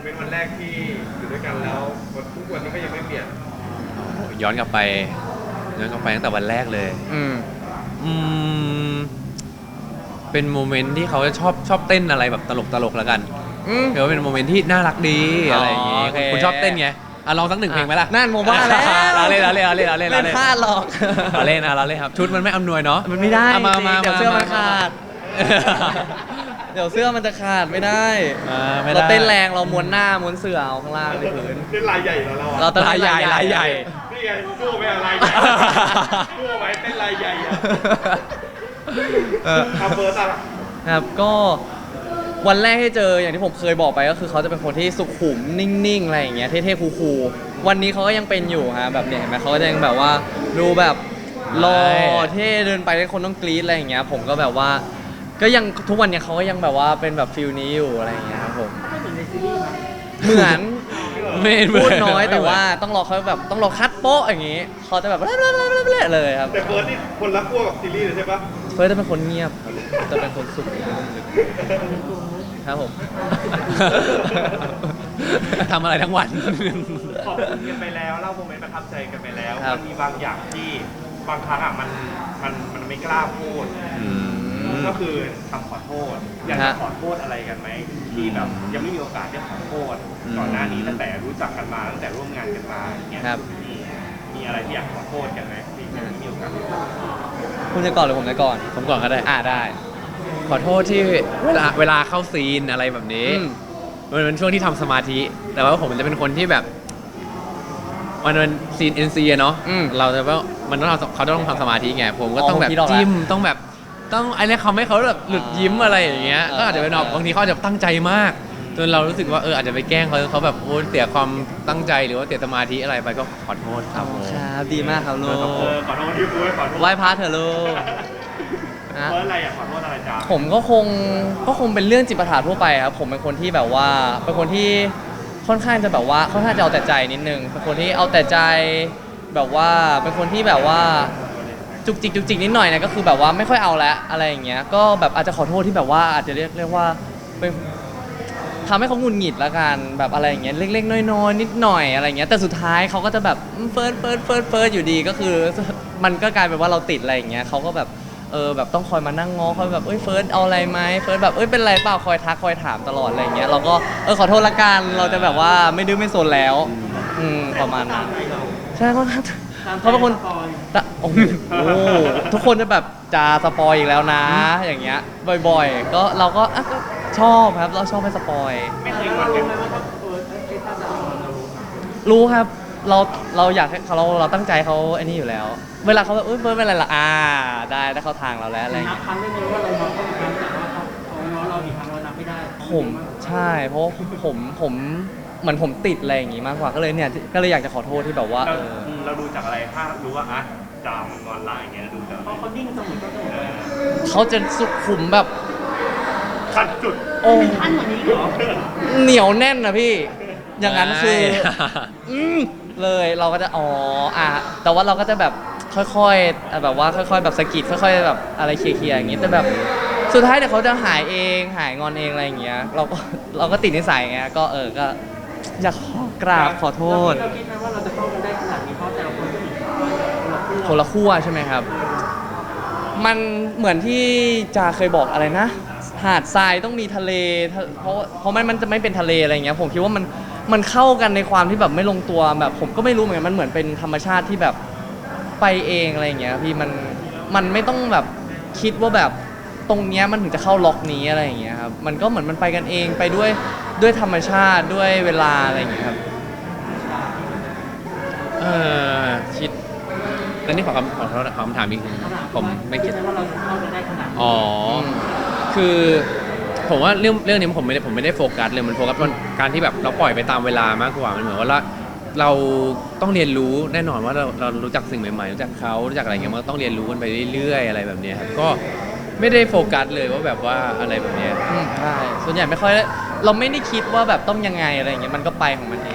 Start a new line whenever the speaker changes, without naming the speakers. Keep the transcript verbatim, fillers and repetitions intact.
เมนต์วันแรกที่อยู่ด้วยกันแล้ววันทุกวันนี้ก็ยังไม่เปลี่ยน
โอ้ย้อนกลับไปย้อนกลับไปตั้งแต่วันแรกเลย
อืม
อืมเป็นโมเมนต์ที่เขาจะชอบชอบเต้นอะไรแบบตลกตลกแล้วกันเดี๋ยวเป็นโมเมนต์ที่น่ารักดีอะไรอย่างงี้คุณชอบเต้นไงอ่ะลองสักหนึ่งเพลงไหมล่ะ
นั่นโมบ้าแล้ว
เราเล่นเราเล่นเราเล่นเราเล่นเรา
เล่น
เล่น
พลาดหรอก
เราเล่นนะเราเล่นครับชุดมันไม่อำนวยเนาะ
มันไม่ได้
มามา
เดี๋ยวเสื้อมันขาดเดี๋ยวเสื้อมันจะขาดไม่ได้เราเต้นแรงเราม้วนหน้าม้วนเสื่อเอาข้างล่างในพื้น
เต้นลายใหญ่แล้วเรา
เรา
ลายใหญ่ลายใหญ่
นี่ไงกู้ไปอะไรใหญ่กู้ไว้เต้นลายใหญ่ครับเบอร์อะไร
ครับก็วันแรกที่เจออย่างที่ผมเคยบอกไปก็คือเขาจะเป็นคนที่สุขุมนิ่งๆอะไรอย่างเงี้ยเท่ๆคูลๆวันนี้เขาก็ยังเป็นอยู่ฮะแบบเนี่ยเห็นไหมเขาก็ยังแบบว่าดูแบบหล่อเท่เดินไปให้คนต้องกรี๊ดอะไรอย่างเงี้ยผมก็แบบว่าก็ยังทุกวันเนี้ยเขาก็ยังแบบว่าเป็นแบบฟิลนี้อยู่อะไรอย่างเงี้ยครับผมเหมือนพูดน้อยแต่ว่าต้องรอเขาแบบต้องรอคัดโป๊ะอย่างงี้เขาจะแบบเละๆเลยครับ
แต่เฟิร์สนี่คนละขั้วกับซีรีส์เลยใช่ปะ
เฟิร์สจะเป็นคนเงียบจะเป็นคนสุขครับผม
ทำอะไรทั้งวัน
ขอบคุณกันไปแล้วเล่าโมเมนต์ประทับใจกันไปแล้วมันมีบางอย่างที่บางครั้งอ่ะมันมันมันไม่กล้าพูดก็คือคำขอโทษอยากจะขอโทษอะไรกันไหมที่แบบยังไม่มีโอกาสได้ขอโทษก่อนหน้านี้ตั้งแต่รู้จักกันมาตั้งแต่ร่วมงานกันมาอย่างเงี้ยมีอะไรที่อยากขอโทษกันไหมที่ยังไม่มีโอกาส
คุณจะก่อนหรือผมจะก่อน
ผมก่อนก็ได้
อ่าได้
ขอโทษที่เวลาเวลาเข้าซีนอะไรแบบนี้มันเป็นช่วงที่ทำสมาธิแต่ว่าผมจะเป็นคนที่แบบมันเป็นซีน เอ็น ซี อะเนาะเราจะว่ามันต้องเขาต้องทำสมาธิไงผมก็ต้องแบบจิ้มต้องแบบต้องไอ้นี่เขาไม่เขาแบบหลุดยิ้มอะไรอย่างเงี้ยก็อาจจะเป็นบางทีเขาอาจจะตั้งใจมากจนเรารู้สึกว่าเอออาจจะไปแกล้งเขาเขาแบบโอ้เสียความตั้งใจหรือว่าเสียสมาธิอะไรไปก็ขอโทษครับ
ครับดีมากครับลูก
ขอโทษที่พูดขอโทษ
ไหว้พระเถอะลูก
เพราะอะไรอยากขอโทษอะไรจ๊ะ
ผมก็คงก็คงเป็นเรื่องจิตประสาททั่วไปครับผมเป็นคนที่แบบว่าเป็นคนที่ค่อนข้างจะแบบว่าค่อนข้างจะเอาแต่ใจนิดนึงเป็นคนที่เอาแต่ใจแบบว่าเป็นคนที่แบบว่าจุกจิกจุกจิกนิดหน่อยเนี่ยก็คือแบบว่าไม่ค่อยเอาแล้วอะไรอย่างเงี้ยก็แบบอาจจะขอโทษที่แบบว่าอาจจะเรียกเรียกว่าเป็นทำให้เขาหงุดหงิดละกันแบบอะไรอย่างเงี้ยเล็กๆน้อยๆนิดหน่อยอะไรอย่างเงี้ยแต่สุดท้ายเขาก็จะแบบเฟิร์สเฟิร์สเฟิร์สเฟิร์สอยู่ดีก็คือมันก็กลายเป็นว่าเราติดอะไรอย่างเงี้ยเขาก็แบบเออแบบต้องคอยมานั่งง้อคอยแบบเอ้ยเฟิร์สเอาอะไรไหมเฟิร์สแบบเอ้ยเป็นไรเปล่าคอยทักคอยถามตลอดอะไรอย่างเงี้ยเราก็เออขอโทษละกันเราจะแบบว่าไม่ดื้อไม่โซนแล้วอืมประมาณนั้นใช่เขาเขาเป็นคนโอ้โหทุกคนจะแบบจะสปอยอีกแล้วนะอย่างเงี้ยบ่อยๆก็เราก็ชอบครับเราชอบให้สปอย
ไม่เคยงอนกัน
รู้ครับเราเราอยากให้เขาเราเราตั้งใจเขาไอ้นี่อยู่แล้วเวลาเขาแบบเอ้ยเฟิร์สเป็นอะไรล่ะอ่าได้ได้เข้าทางเราแล้วอะไรอย่างเงี้ย
นับครั้งได้ไหมว่าเรานับต้องครั้งแต่ว่าเขาเขาง้อเราอีกครั้งเรานับไม่ได้
ผมใช่เพราะผมผมเหมือนผมติดอะไรอย่างงี้มากกว่าก็เลยเนี่ยก็เลยอยากจะขอโทษที่แบบว่าเออ
เราดูจากอะไรถ้ารู้ว่าอ่ะจามงอนลายอย่างเงี้ยดูจาก
เขาดิ้งเสมอต้นเสมอ
เขาจะสุขุมแบบ
ขั้นจุด
โอ้
ขั้นกว่านี้เหรอ
เหนียวแน่นนะพี่อย่างนั้นคืออืมเลยเราก็จะอ๋ออ่ะแต่ว่าเราก็จะแบบค่อยๆแบบว่าค่อยๆแบบสะกิดค่อยๆแบบอะไรเคลียร์ๆอย่างงี้แต่แบบสุดท้ายเดี๋ยวเขาจะหายเองหายงอนเองอะไรอย่างเงี้ยเราก็เราก็ติดนิสัยไงก็เออก็อยากขอกราบขอโทษ
เราคิดไหมว่าเราจะเข้ากันได้ขนาดนี้เพราะแต่ละคนก็มี
คนละขั้วใช่ไหมครับมันเหมือนที่จาเคยบอกอะไรนะหาดทรายต้องมีทะเลเพราะเพราะมันมันจะไม่เป็นทะเลอะไรเงี้ยผมคิดว่ามันมันเข้ากันในความที่แบบไม่ลงตัวแบบผมก็ไม่รู้เหมือนกันมันเหมือนเป็นธรรมชาติที่แบบไปเองอะไรเงี้ยพี่มันมันไม่ต้องแบบคิดว่าแบบตรงเนี้ยมันถึงจะเข้าล็อกนี้อะไรอย่างเงี้ยครับมันก็เหมือนมันไปกันเองไปด้วยด้วยธรรมชาติด้วยเวลาอะไรอย่างเงี้ยครับ
เออคิดตอนนี้ขอคำขอโทษคำถามอีกผมไม่คิด
ว่าเราเข้ากันได้ขนาด
อ๋อคือผมว่าเรื่องเรื่องนี้ผมไม่ได้ผมไม่ได้โฟกัสเลยมันโฟกัสการที่แบบเราปล่อยไปตามเวลามากกว่ามันเหมือนว่าเราต้องเรียนรู้แน่นอนว่าเราเรารู้จักสิ่งใหม่ๆรู้จักเขารู้จักอะไรเงี้ยมันต้องเรียนรู้กันไปเรื่อยๆอะไรแบบนี้ครับก็ไม่ได้โฟกัสเลยว่าแบบว่าอะไรแบบนี้
ใช่ส่วนใหญ่ไม่ค่อยเราไม่ได้คิดว่าแบบต้องยังไงอะไรอย่างเงี้ยมันก็ไปของมันเอง